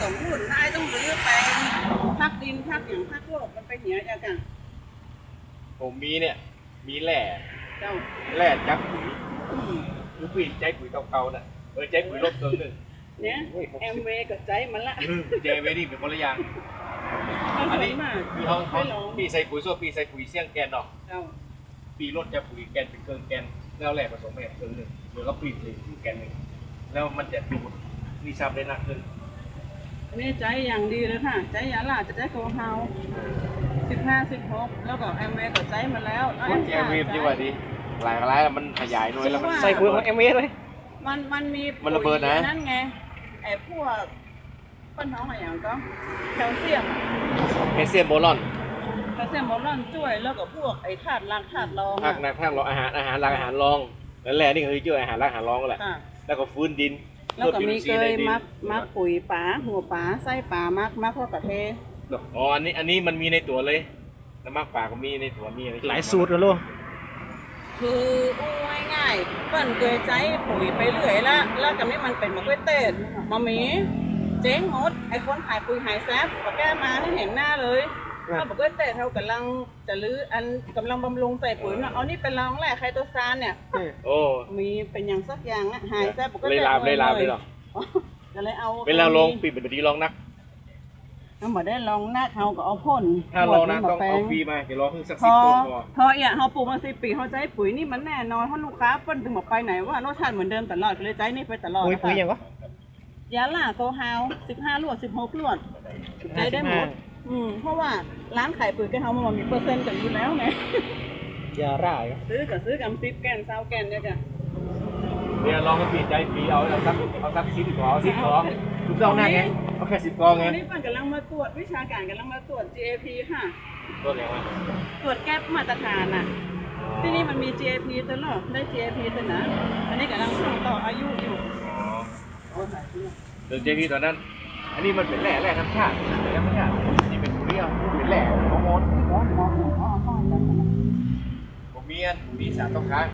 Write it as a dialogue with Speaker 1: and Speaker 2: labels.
Speaker 1: สมดุลท้ายต้องรื้อแปลงพักดินพักอย่างพักโลกมันไปเหียจากกัน
Speaker 2: ผมมีเนี่ยมีแหล่
Speaker 1: เจ้า
Speaker 2: จักปุ๋ยคือปุ๋ยใจปุ๋ยเก่าๆน่ะใจปุ๋ยลบเกินหนึ่ง
Speaker 1: เนี่ยแอมเวย์กับใจมันละ
Speaker 2: เจเวนี่เป็นคนละอย่าง
Speaker 1: มัน
Speaker 2: อัน
Speaker 1: สว
Speaker 2: นี้
Speaker 1: ยมาก
Speaker 2: มีห้อง
Speaker 1: ไม่ลอง
Speaker 2: ปีใส่ปุ๋ยส้วปีใส่ปุ๋ยเสี่ยงแกนดอก
Speaker 1: เจ้า
Speaker 2: ปีรถจะปุ๋ยแกนเป็นเครื่องแกนแล้วแหล่ผสมไปเครื่องหนึ่งหรือก็ปีเลยแกนหนึ่งแล้วมันจะดูดมีซับได้หนักขึ้น
Speaker 1: อันนี้ใจอย่างดีเลยค่ะใจยาลาจะใจโกเฮา15-16แล้วก็แอมเวย์กับใจมาแล้วแล้ว
Speaker 2: เจเวดีกว่าดีหลายมันขยายหน่วยแล้วมัน
Speaker 3: ใส่ปุ๋ยของเอ็มเอเลย
Speaker 1: มันมี
Speaker 2: มันระเบิดนะ
Speaker 1: นั่นไงไอ้พวกปั้นท้องอะไรอย่างก็แคลเซียม
Speaker 2: แคลเซียมโบรอน
Speaker 1: แคลเซียมโมลอนช่วยแล้วก็พวกไอ้ธาตุรางธาตุรอง
Speaker 2: ภาค
Speaker 1: อะ
Speaker 2: นักภาครองอาหารหลักอาหารรองนั่นแหละนี่คือชื่ออาหารหลักอาหารรองก็แหละ
Speaker 1: ค่ะ
Speaker 2: แล้วก็ฟื้นดิน
Speaker 1: แล้วก็มีเกย
Speaker 2: พิ่
Speaker 1: มักปุ๋ยป๋าหัวป๋าไส้ป๋ามักพวกกระเท
Speaker 2: อ๋ออันนี้มันมีในตัวเลยน้ำมักป่าก็มีในตัวมีอะไร
Speaker 3: หลายสูตรเลยลูก
Speaker 1: คืออู้ง่ายๆเปิ้นเกยใจปุ๋ยไปเรื่อยละแล้วกับนี้มันเป็นมะกล้วยเตดมามีเจ๊งหมดไอ้คนขายปุ๋ยหายแซบก็แก้มาให้เห็นหน้าเลยถ้ามะกล้วยเตดเขากำลังจะลื้ออันกำลังบำรุงใส่ปุ๋ยนะเอานี่เป็นรองแหละไคโตซานเนี่ย
Speaker 2: โอ้
Speaker 1: มีเป็นอย่างสักอย่างอะหายแซบปก
Speaker 2: เลยลามเลยหรอ
Speaker 1: ก็เลยเอา
Speaker 2: เวลาลงปีเป็นดีลองนัก
Speaker 1: เอามาได้ลองหน้าเขาก็เอาพ่น
Speaker 2: ถ้าลองนัก
Speaker 1: มา
Speaker 2: ต้อง
Speaker 1: แปล
Speaker 2: เอา
Speaker 1: ง
Speaker 2: ฟรีมาเดี๋ยวรอเพิ่งสัก
Speaker 1: พ
Speaker 2: สิบ
Speaker 1: อ
Speaker 2: ตัวพอ
Speaker 1: พอเนี่ยเขาปลูกมา10 ปีเขาใจปุ๋ยนี่มันแน่นอนเพราะลูกค้าเปิ้นถึงบอกไปไหนว่ารสชาติเหมือนเดิมตลอดก็เลยใจนี่ไปตลอด
Speaker 3: ปุ๋ย
Speaker 1: นะคะ
Speaker 3: ปุ๋ยอย่างก็
Speaker 1: ยาล่าโกฮาว15 ลวด 16 ลวดใจได้หมดเพราะว่าร้านขายปุ๋ยกับเขามันมีเปอร์เซ็นต์กันอยู่แล้วไง
Speaker 3: ยาร่าย
Speaker 1: ซื้อกับ10 แกน20 แกนเนี่ยจ้ะ
Speaker 2: เนี่ยลองมาปีใจฟรีเอาสัก10 กว่า10 กว่าถูกต้องนะไงเอาแค่10 กว่าไง
Speaker 1: ตอนนี้ปันกำลังมาตรวจวิชาการกำลังมาตรวจ GAP ค่ะ
Speaker 2: ตัวไหนวะ
Speaker 1: ตรวจแก้มาตรฐานอ่ะ ที่นี่มันมี GAP ตัวเนาะได้ GAP ตัวนะอันนี้กำลังส่งต่ออายุอยู่
Speaker 2: อ๋อเดินเจพีตอนนั้น อันนี้มันเป็นแร่ธรรมชาตินี่เป็นปุ๋ยอ่ะเป็นแร่ฮอร์โมนผมมีสารตกค้าง